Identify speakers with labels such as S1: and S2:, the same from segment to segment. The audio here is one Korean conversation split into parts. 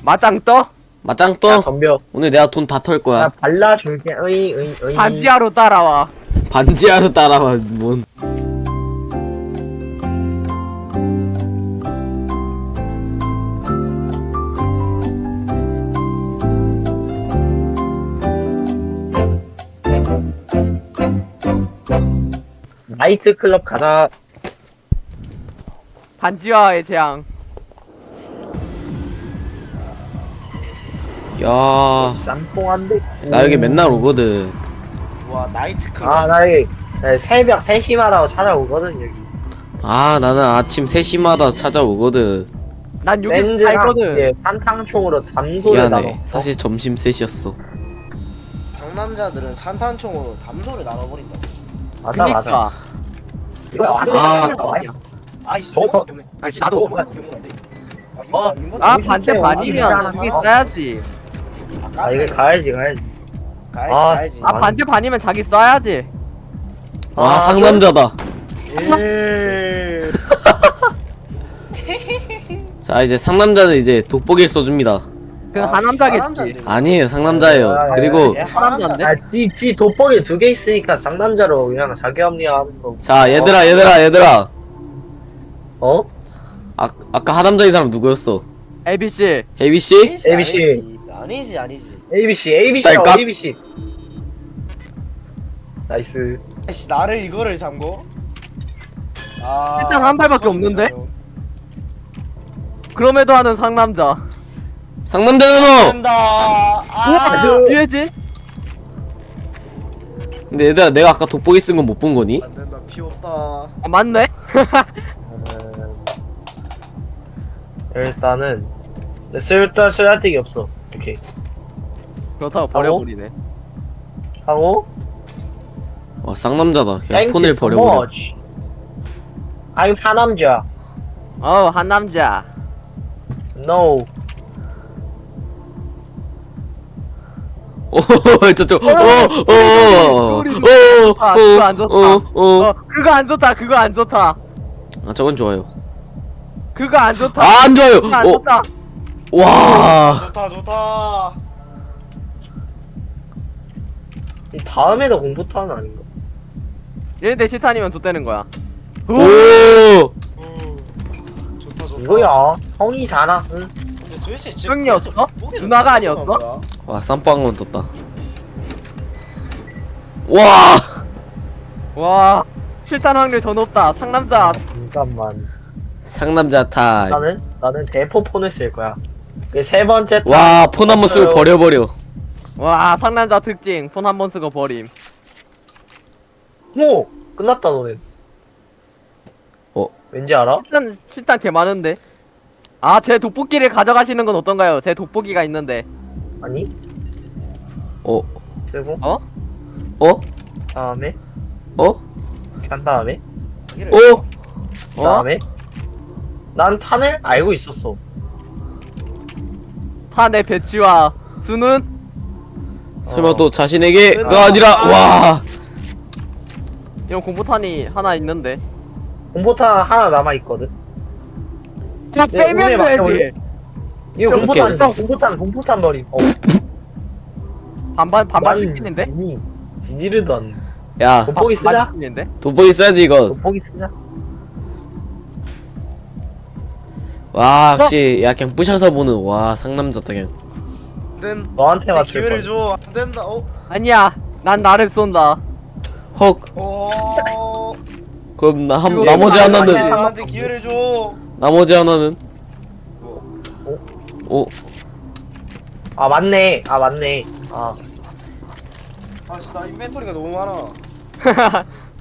S1: 맞짱 떠?
S2: 맞짱
S3: 야,
S2: 떠.
S3: 덤벼.
S2: 오늘 내가 돈 다 털
S3: 야,
S2: 거야.
S3: 발라줄게. 어이.
S1: 반지하로 따라와.
S2: 반지하로 따라와. 뭔.
S3: 나이트클럽 가자.
S1: 반지하의 재앙.
S2: 야,
S3: 쌈뽕한데?
S2: 나 여기 맨날 오거든.
S4: 와 나이트클럽.
S3: 아, 나 여기 새벽 3시마다 찾아오거든, 여기.
S2: 아, 나는 아침 3시마다 찾아오거든.
S1: 난 여기
S3: 렌즈랑
S1: 살거든.
S3: 이제 산탕총으로 담소를 나눠.
S2: 미안해. 사실 점심 3시였어.
S4: 상남자들은 산탄총으로 담소를 나눠버린다.
S3: 맞아.
S1: 그니까.
S3: 이거
S2: 아.
S4: 아이씨
S3: 저거.
S1: 아니, 나도.
S3: 아,
S1: 반대
S3: 이거
S1: 반이면
S3: 이거
S1: 여기 써야지.
S3: 아, 이거 가야지.
S4: 가야지.
S1: 아, 반대 반이면 자기 써야지.
S2: 와,
S3: 아,
S2: 상남자다.
S4: 예.
S2: 자, 이제 상남자는 이제 돋보기를 써줍니다.
S1: 그건
S4: 아,
S1: 하남자겠지.
S4: 하남자인데.
S2: 아니에요, 상남자예요. 그리고,
S4: 예,
S1: 하남자인데?
S3: 아, 지 돋보기 2개 있으니까 쌍남자로 그냥 자기 합리화하는 거.
S2: 자, 얘들아.
S3: 어?
S2: 아까 하남자인 사람 누구였어?
S1: ABC.
S2: 혜비씨?
S3: ABC.
S4: 아니지.
S3: ABC라고
S2: 딸깍.
S3: ABC. 나이스.
S4: 아이씨 나를 이거를 잠고. 아.
S1: 일단 한 발밖에 없는데? 그럼에도 하는 상남자.
S2: 상남자는 너!
S4: 된다.
S3: 그-
S1: 뒤에지?
S2: 근데 얘들아, 내가 아까 돋보기 쓴 건 못 본 거니?
S4: 안 된다. 피 없다.
S1: 아, 맞네?
S3: 일단은 쓸데기 없어. 이렇게
S1: 그렇다고 버려버리네.
S3: 하고
S2: 와, 쌍남자다. 그냥
S3: Thank
S2: 폰을
S3: you so
S2: 버려버려.
S3: much. I'm 하남자.
S1: 한남자.
S3: No.
S2: 오, 저쪽.
S1: 아, 그거 안 좋다. 그거 안 좋다. 그거 안 좋다.
S2: 아, 저건 좋아요.
S1: 그거 안 좋다.
S2: 아, 안 좋아요.
S1: 그거 안 좋다.
S2: 와.
S4: 좋다.
S3: 이 다음에도 공포타는 아닌가?
S1: 얘네들 실탄이면 좋다는 거야.
S2: 오.
S4: 좋다.
S3: 이거야. 형이 잘하. 응?
S4: 근데 도대체
S1: 형이었어? 누나가 아니었어?
S2: 와, 쌈빵은 떴다. 와.
S1: 와, 실탄 확률 더 높다. 상남자.
S3: 잠깐만.
S2: 상남자 타임.
S3: 나는 대포폰을 쓸 거야. 그 세 번째.
S2: 와, 폰 한 번 쓰고 버려버려.
S1: 와, 상남자 특징. 폰 한 번 쓰고 버림.
S3: 오 끝났다 너는. 왠지 알아?
S1: 실탄 개 많은데. 아, 제 돋보기를 가져가시는 건 어떤가요? 제 돋보기가 있는데.
S3: 아니
S2: 어?
S3: 쓰고
S1: 어?
S2: 어?
S3: 다음에
S2: 어?
S3: 한 다음에
S2: 어?
S3: 다음에 난 탄을 알고 있었어.
S1: 탄의 배치와 수는?
S2: 설마 또 자신에게가 아니라 와.
S1: 이런 공포탄이 하나 있는데.
S3: 공포탄 하나 남아 있거든.
S1: 그냥
S3: 내 운에
S1: 빼면
S3: 맡겨볼래?
S1: 되지.
S3: 이거
S2: 저렇게.
S3: 공포탄 버림.
S1: 반반 찍히는데?
S3: 이미 지지르도 않네.
S2: 야,
S3: 돋보기 쓰자.
S1: 찍히는데?
S2: 돋보기 써야지 이거.
S3: 돋보기 쓰자.
S2: 와, 역시 야 그냥 부셔서 보는 와 상남자다 그냥.
S3: 너한테 맞출
S4: 기회를
S3: 거야.
S4: 줘. 안 된다.
S1: 아니야, 난 나를 쏜다.
S2: 헉. 그럼
S1: 이거
S2: 나머지
S1: 아니야.
S2: 하나는
S4: 나한테 기회를 줘.
S2: 나머지 하나는 오.
S3: 아 맞네.
S4: 아씨 나 인벤토리가 너무 많아.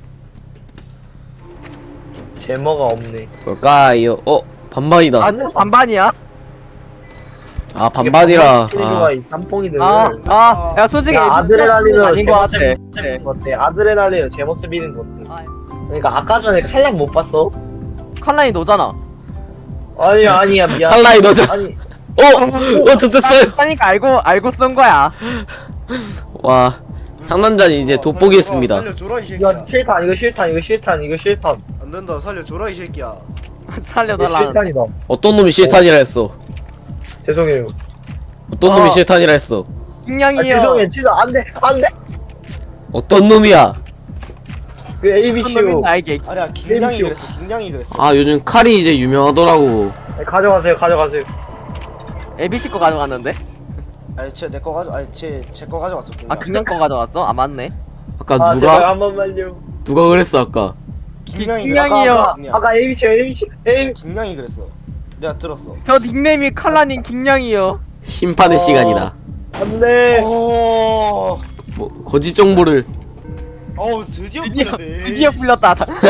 S3: 제모가 없네.
S2: 뭘까요? 반반이다.
S1: 아, 반반이야?
S2: 아, 반반이라.
S3: 아. 이 쌈뽕이들.
S1: 야, 솔직히
S3: 야, 아드레날린으로
S1: 아닌 것
S3: 제모
S1: 같아.
S3: 쓰는 거 어때? 아드레날린으로 제모 쓰는 거 어때?
S1: 아,
S3: 그러니까 아까 전에 칼날 못 봤어?
S1: 칼라이 너잖아.
S3: 아니야 미안.
S2: 칼라이 너자.
S3: 아니
S2: 좋댔어요.
S1: 하니까 알고 쓴 거야.
S2: 와, 상남자는 이제 돋보기 했습니다.
S4: 살려줘라 이 새끼야.
S3: 이거 실탄.
S4: 안 된다. 살려줘라 이 새끼야.
S3: 이거
S1: 살려달라.
S3: 실탄이다.
S2: 어떤 놈이 실탄이라 했어.
S3: 죄송해요.
S2: 어떤 놈이 실탄이라 했어?
S3: 아,
S1: 킹냥이요.
S3: 죄송해요. 진짜 안 돼. 안 돼.
S2: 어떤 놈이야?
S3: 그 ABCU.
S1: 나에게.
S4: 아니야 김냥이
S3: 게임쇼.
S4: 그랬어. 김냥이 그랬어.
S2: 아 요즘 칼이 이제 유명하더라고.
S3: 가져가세요. 가져가세요.
S1: ABC 거 가져갔는데?
S4: 아니 쟤내거 가져. 아니 제 거 가져갔어.
S1: 아 그냥 거 가져갔어? 아 맞네.
S2: 아까
S3: 아, 제발
S2: 누가
S3: 한 번만요.
S2: 누가 그랬어 아까?
S4: 김냥이
S1: 김냥이요.
S4: 그랬어.
S3: 아까 ABC, ABC, ABC.
S4: 김냥이 그랬어. 내가 들었어.
S1: 저 닉네임이 칼라님 킹냥이요.
S2: 심판의 시간이다.
S3: 안 돼.
S4: 오.
S2: 뭐 거짓 정보를.
S4: 어우 드디어
S1: 드디어
S4: 풀렸네.
S1: 드디어 풀렸다.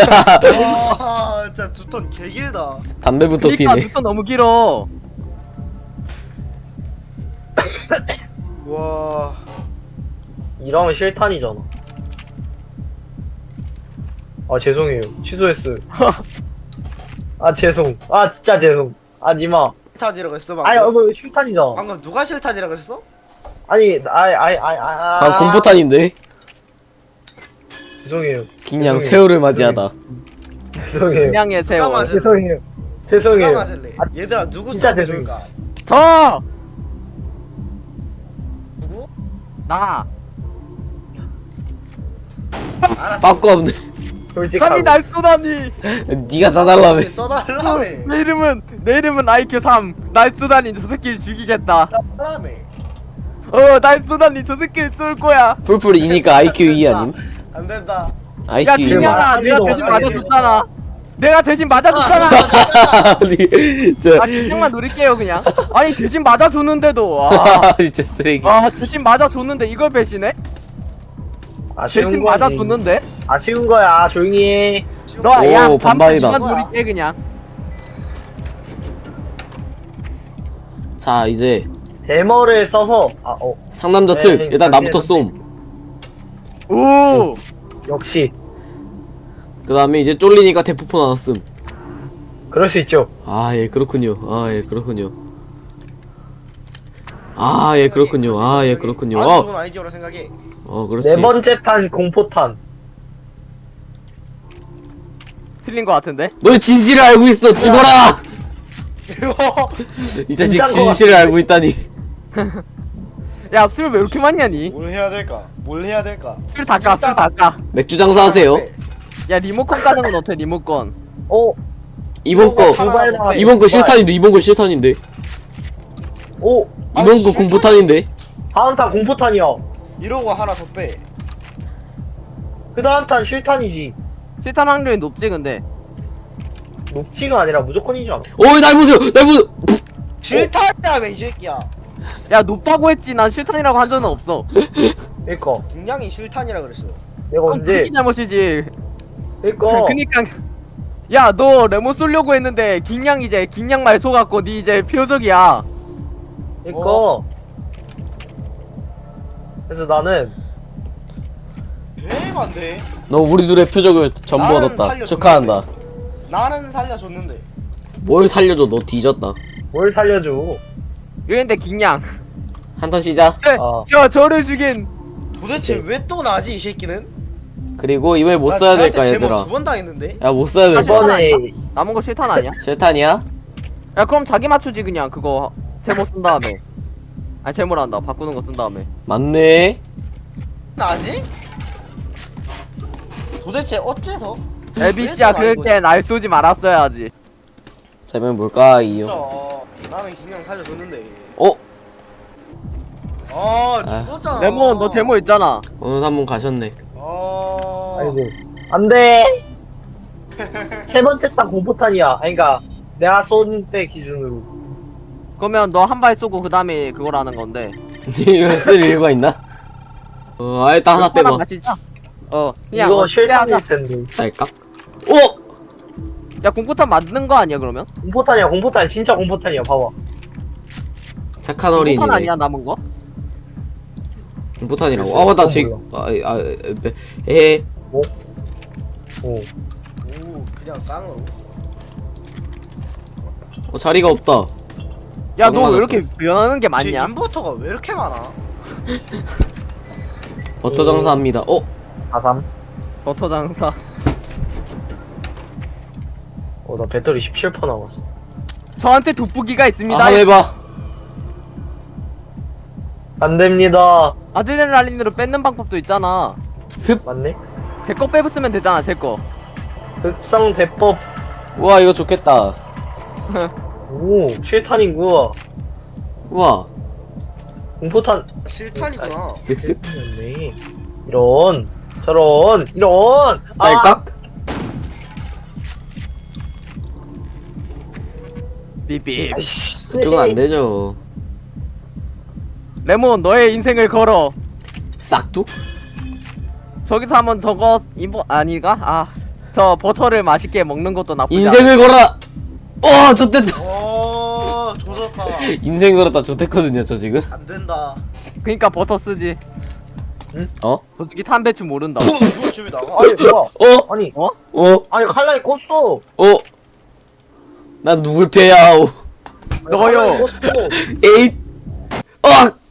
S4: 와 진짜 두 턴 개길다.
S2: 담배부터
S1: 그러니까
S2: 피네.
S1: 눈썹 너무 길어.
S4: 와.
S3: 이러면 실탄이잖아. 아 죄송해요. 취소했어요. 아 죄송. 아 진짜 죄송. 아 니마.
S4: 실탄이라고 했어 방금.
S3: 아니 뭐 실탄이잖아.
S4: 방금 누가 실탄이라고 했어?
S3: 아니
S2: 아 공포탄인데.
S3: 죄송해요.
S2: 그냥
S3: 죄송해요.
S2: 새우를 맞이하다.
S3: 죄송해요.
S1: 킹냥의 세월.
S4: 잠깐만.
S3: 죄송해요.
S4: 누가
S3: 죄송해요.
S4: 마실래?
S3: 아,
S4: 얘들아 누구
S3: 진짜
S4: 써줄까?
S1: 저!
S4: 누구?
S1: 나!
S4: 알았어.
S2: 빠꾸 없네.
S3: 솔직하고.
S1: 감히 날 쏘다니!
S2: 네가 싸달라며.
S4: 써달라며.
S1: 내 이름은 IQ 3. 날 쏘다니 저 새끼를 죽이겠다.
S4: 써달라며.
S1: 날 쏘다니 저 새끼를 쏠 거야.
S2: 풀풀이니까 IQ 2 아님?
S4: 안 된다.
S1: 야,
S2: IQ 2.
S1: 킹냥아, 내가
S3: 아니죠.
S1: 대신 맞아줬잖아. 내가 대신 맞아줬잖아.
S2: 아니 저
S1: 아, 킹냥만 노릴게요, 그냥. 아니, 대신 맞아줬는데도. 아,
S2: 진짜 쓰레기.
S1: 대신 맞아줬는데 이걸 배신해?
S3: 아쉬운
S1: 대신
S3: 거지.
S1: 맞아줬는데?
S3: 아쉬운 거야. 조용히 해.
S1: 너,
S2: 오,
S1: 야,
S2: 반반이다.
S1: 반반 노릴게, 그냥.
S2: 자 이제
S3: 데머를 써서
S2: 상남자
S3: 네,
S2: 특.
S3: 네,
S2: 일단 나부터
S3: 네,
S2: 쏨.
S1: 오!
S3: 역시
S2: 그 다음에 이제 쫄리니까 대포폰 하나 씀.
S3: 그럴 수 있죠.
S2: 아 예 그렇군요. 아 예 그렇군요. 아 예 그렇군요. 아 예 그렇군요.
S4: 아주 좋은 아이디어라 생각해.
S2: 그렇지.
S3: 네 번째 탄 공포탄.
S1: 틀린 거 같은데?
S2: 너의 진실을 알고 있어. 죽어라. 이 자식
S3: 진짜인 것
S2: 진실을 알고 있다니.
S1: 야, 술 왜 이렇게 많이 하니?
S4: 뭘 해야 될까? 뭘 해야 될까?
S1: 술 닦아, 술 닦아.
S2: 맥주 장사하세요.
S1: 야, 리모컨 까는 건 어때, 리모컨?
S2: 이번 거
S3: 두발 나왔어.
S2: 이번 거
S3: 두발.
S2: 실탄인데 이번 거 실탄인데
S3: 오
S2: 이번 거 공포탄인데.
S3: 다음 탄 공포탄이야.
S4: 이러고 하나 더 빼.
S3: 그 다음 탄 실탄이지.
S1: 실탄 확률이 높지, 근데.
S3: 녹지가 아니라 무조건이지 않아.
S2: 어이 날 보세요. 날 보세요.
S4: 실탄이라며 이 새끼야.
S1: 야, 높다고 했지. 난 실탄이라고 한 적은 없어.
S3: 그니까
S4: 김냥이 실탄이라 그랬어요.
S3: 내가
S1: 그건
S3: 언제
S1: 그게 잘못이지.
S3: 그니까
S1: 그니까. 야, 너 레몬 쏠려고 했는데, 긴양 이제, 긴양 말 속았고, 니 이제 표적이야.
S3: 그니까 그래서 나는
S4: 대만데.
S2: 너 우리 둘의 표적을 전부
S4: 나는
S2: 얻었다.
S4: 살려줬는데.
S2: 축하한다.
S4: 나는 살려줬는데.
S2: 뭘 살려줘. 너 뒤졌다.
S3: 뭘 살려줘.
S1: 이랬는데, 긴양.
S2: 한턴 시작.
S1: 저를 죽인.
S4: 도대체 왜 또 나지 이 새끼는?
S2: 그리고 이번에 못
S4: 나
S2: 써야
S4: 쟤한테
S2: 될까
S4: 제목
S2: 얘들아.
S4: 2번 당했는데.
S2: 야 못 써야 될까.
S3: 이번에
S1: 남은 거 실탄 아니야?
S2: 실탄이야?
S1: 야, 그럼 자기 맞추지, 그냥. 그거, 제목 쓴 다음에. 아니, 제목란다. 바꾸는 거 쓴 다음에.
S2: 맞네.
S4: 나지? 도대체 어째서?
S1: LBC야, 그럴 때 날 쏘지 말았어야지.
S2: 자 이번엔 뭘까요?
S4: 나는 김냥 살려줬는데.
S2: 아.
S4: 죽었잖아.
S1: 레몬, 너 제목 있잖아.
S2: 오늘 한 번 가셨네.
S3: 아이고 안돼. 세 번째 탄 공포탄이야. 그러니까 내가 쏜 때 기준으로.
S1: 그러면 너 한 발 쏘고, 그 다음에 그거라는 건데.
S2: 이거 쓸 이유가 있나? 일단 하나 빼봐.
S1: 같이 짜. 그냥.
S3: 이거
S1: 하자.
S3: 실탄일 텐데.
S2: 딸깍. 오!
S1: 야, 공포탄 만드는 거 아니야, 그러면?
S3: 공포탄이야. 공포탄 진짜 공포탄이야. 봐봐.
S2: 착한
S1: 공포탄
S2: 어린이네.
S1: 아니야, 남은 거?
S2: 공포탄이라고. 아 맞다. 제
S3: 오.
S4: 오 그냥 깡으로.
S2: 자리가 없다.
S1: 야,
S2: 방금
S1: 너 왜
S2: 맞았다.
S1: 이렇게 변하는 게
S4: 제
S1: 많냐?
S4: 인버터가 왜 이렇게 많아?
S2: 버터 장사합니다.
S3: 아삼.
S1: 버터 장사.
S3: 나 배터리 17% 남았어.
S1: 저한테 돋보기가 있습니다.
S2: 한번 해봐.
S3: 안 됩니다.
S1: 아드레날린으로 뺏는 방법도 있잖아.
S3: 맞네?
S1: 제 거 빼부으면 되잖아, 제 거.
S3: 흑상 대법.
S2: 우와 이거 좋겠다.
S3: 오, 실탄이구나.
S2: 우와
S3: 공포탄.
S4: 실탄이구나.
S2: 쓱쓱
S3: 네. 이런, 저런, 이런.
S2: 딸깍.
S1: 삐삐.
S3: 아이씨.
S2: 그쪽은 안 되죠.
S1: 레몬, 너의 인생을 걸어.
S2: 싹둑.
S1: 저기서 한번 저거 아니가? 아, 저 버터를 맛있게 먹는 것도 나쁘지 않아.
S2: 인생을 걸어라. 와 좋댔다.
S4: 오, 조졌다.
S2: 인생 걸었다 좋댔거든요 저 지금.
S4: 안 된다.
S1: 그니까 버터 쓰지.
S2: 어?
S1: 솔직히 탄배추 모른다.
S4: 누구 집에 나가?
S3: 아니, 뭐야.
S2: 어?
S3: 아니,
S2: 어?
S3: 아니, 칼날이 껐어.
S2: 어? 난 누굴 패야?
S1: 너요.
S3: 칼날이 껐어.
S2: 에잇. 어!